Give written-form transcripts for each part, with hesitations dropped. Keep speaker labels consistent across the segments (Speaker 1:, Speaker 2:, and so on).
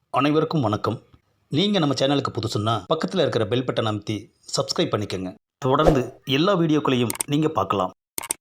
Speaker 1: அனைவருக்கும் வணக்கம். நீங்கள் நம்ம சேனலுக்கு புதுசுன்னா பக்கத்தில் இருக்கிற பெல் பட்டனை அமைத்தி சப்ஸ்கிரைப் பண்ணிக்கோங்க. தொடர்ந்து எல்லா வீடியோக்களையும் நீங்கள் பார்க்கலாம்.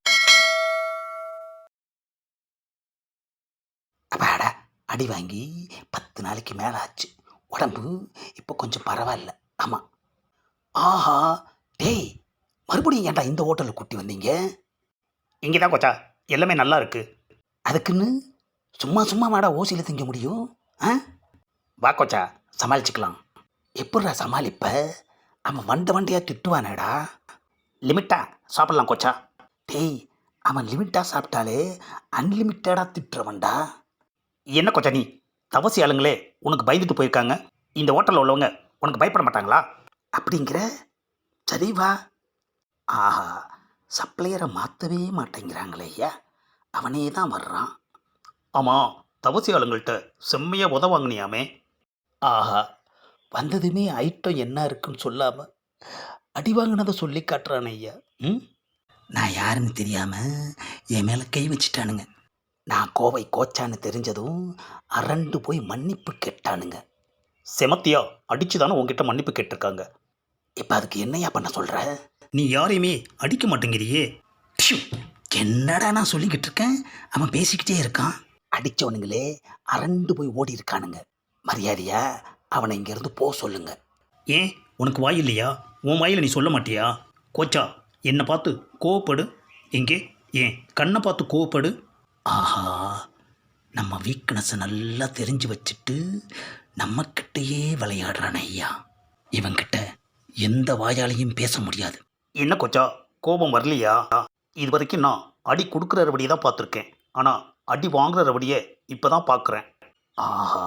Speaker 2: அப்பாடா, அடி வாங்கி 10 நாளைக்கு மேலே ஆச்சு. உடம்பு இப்போ கொஞ்சம் பரவாயில்ல. ஆமாம். ஆஹா, டேய், மறுபடியும் ஏன்டா இந்த ஹோட்டலுக்கு கூட்டி வந்தீங்க?
Speaker 1: இங்கே தான் கொச்சா, எல்லாமே நல்லா இருக்கு.
Speaker 2: அதுக்குன்னு சும்மா சும்மா வாடா ஓசியில் திங்க முடியும்? ஆ,
Speaker 1: வா கொச்சா,
Speaker 2: சமாளிச்சுக்கலாம். எப்பட்றா சமாளிப்ப? அவன் வண்டையாக திட்டுவானேடா.
Speaker 1: லிமிட்டாக சாப்பிட்லாம் கொச்சா.
Speaker 2: டேய், அவன் லிமிட்டாக சாப்பிட்டாலே அன்லிமிட்டடாக திட்டுறவன்டா.
Speaker 1: என்ன கொச்சா நீ, தவசி ஆளுங்களே உனக்கு பயந்துட்டு போயிருக்காங்க. இந்த ஹோட்டலில் உள்ளவங்க உனக்கு பயப்பட மாட்டாங்களா?
Speaker 2: அப்படிங்கிற? சரி வா. ஆஹா, சப்ளையரை மாற்றவே மாட்டேங்கிறாங்களே ஐயா. அவனே தான் வர்றான்.
Speaker 1: ஆமாம், தவசி ஆளுங்கள்கிட்ட செம்மையாக உதவாங்கினியாமே.
Speaker 2: ஆஹா, வந்ததுமே ஐட்டம் என்ன இருக்குன்னு சொல்லாமல் அடி வாங்கினதை சொல்லி காட்டுறானே ஐயா. ம், நான் யாருன்னு தெரியாமல் என் மேலே கை வச்சிட்டானுங்க. நான் கோவை கோச்சான்னு தெரிஞ்சதும் அரண்டு போய் மன்னிப்பு கேட்டானுங்க.
Speaker 1: செமத்தியா அடிச்சு தானே உங்ககிட்ட மன்னிப்பு கேட்டிருக்காங்க.
Speaker 2: இப்போ அதுக்கு என்னையா பண்ண சொல்கிற?
Speaker 1: நீ யாரையுமே அடிக்க மாட்டேங்கிறியே.
Speaker 2: ப்ஷு, என்னடா நான் சொல்லிக்கிட்டு இருக்கேன், அவன் பேசிக்கிட்டே இருக்கான். அடித்தவனுங்களே அரண்டு போய் ஓடி இருக்கானுங்க. மரியாதையா அவனை இங்கேருந்து போக சொல்லுங்க.
Speaker 1: ஏன் உனக்கு வாய் இல்லையா? உன் வாயில் நீ சொல்ல மாட்டியா? கோச்சா, என்னை பார்த்து கோவப்படு. எங்கே ஏன் கண்ணை பார்த்து கோவப்படு.
Speaker 2: ஆஹா, நம்ம வீக்னஸை நல்லா தெரிஞ்சு வச்சுட்டு நம்மக்கிட்டேயே விளையாடுறானே ஐயா. இவன்கிட்ட எந்த வாயாலையும் பேச முடியாது.
Speaker 1: என்ன கொச்சா, கோபம் வரலையா? இது வரைக்கும் நான் அடி கொடுக்குற ரவடியை தான் பார்த்துருக்கேன். ஆனால் அடி வாங்குற ரவடியை இப்போ தான் பார்க்குறேன்.
Speaker 2: ஆஹா,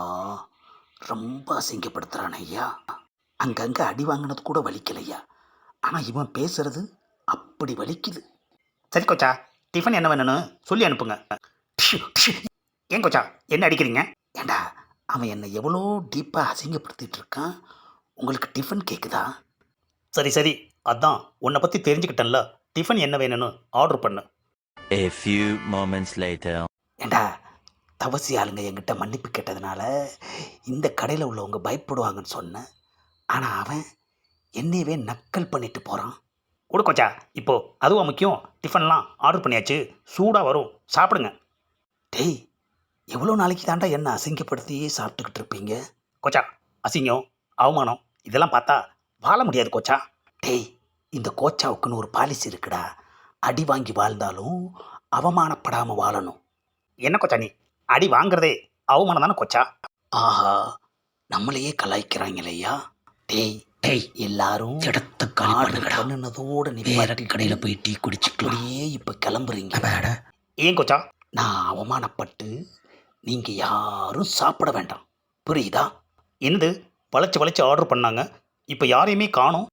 Speaker 2: ரொம்ப அசிங்கப்படுத்துகிறான் ஐயா. அங்கங்கே அடி வாங்கினது கூட வலிக்கலையா, ஆனால் இவன் பேசுறது அப்படி வலிக்குது.
Speaker 1: சரி கொச்சா, டிஃபன் என்ன வேணும்னு சொல்லி அனுப்புங்க.
Speaker 2: ப்ஷு, ப்ஷு.
Speaker 1: ஏன் கொச்சா என்ன அடிக்கிறீங்க?
Speaker 2: ஏண்டா, அவன் என்னை எவ்வளோ டீப்பாக அசிங்கப்படுத்திட்டு இருக்கான். உங்களுக்கு டிஃபன் கேட்குதா?
Speaker 1: சரி சரி, அதான் உன்னை பற்றி தெரிஞ்சுக்கிட்டேன்ல. டிஃபன் என்ன வேணும்னு ஆர்டர் பண்ணு.
Speaker 3: A few moments later.
Speaker 2: ஏண்டா, தவசி ஆளுங்க என்கிட்ட மன்னிப்பு கேட்டதுனால இந்த கடையில் உள்ளவங்க பயப்படுவாங்கன்னு சொன்னேன். ஆனால் அவன் என்னையவே நக்கல் பண்ணிட்டு போகிறான்.
Speaker 1: கொடு கொச்சா, இப்போ அதுவும் முக்கியம். டிஃபன்லாம் ஆர்டர் பண்ணியாச்சு, சூடாக வரும், சாப்பிடுங்க.
Speaker 2: டேய், எவ்வளோ நாளைக்கு தாண்டா என்ன அசிங்கப்படுத்தியே சாப்பிட்டுக்கிட்டு இருப்பீங்க?
Speaker 1: கொச்சா, அசிங்கம் அவமானம் இதெல்லாம் பார்த்தா வாழ முடியாது கொச்சா.
Speaker 2: டேய், இந்த கோச்சாவுக்குன்னு ஒரு பாலிசி இருக்குடா. அடி வாங்கி வாழ்ந்தாலும் அவமானப்படாமல் வாழணும்.
Speaker 1: என்ன கொச்சா நீ, அடி வாங்குறதே அவமானம் தானே கொச்சா.
Speaker 2: ஆஹா, நம்மளையே கலாய்க்கிறாங்களேயா. டேய் டேய், எல்லாரும் இடத்த காணுனதோட நீ வேற கடையில் போய் டீ குடிச்சுக்கிட்டே இப்போ கிளம்புறீங்க.
Speaker 1: ஏன் கொச்சா?
Speaker 2: நான் அவமானப்பட்டு நீங்கள் யாரும் சாப்பிட வேண்டாம், புரியுதா?
Speaker 1: என்னது வளைச்சு வளைச்சு ஆர்டர் பண்ணாங்க, இப்போ யாரையுமே காணோம்.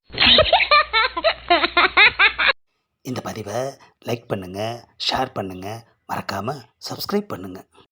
Speaker 2: இந்த பதிவை லைக் பண்ணுங்கள், ஷேர் பண்ணுங்கள், மறக்காமல் சப்ஸ்கிரைப் பண்ணுங்கள்.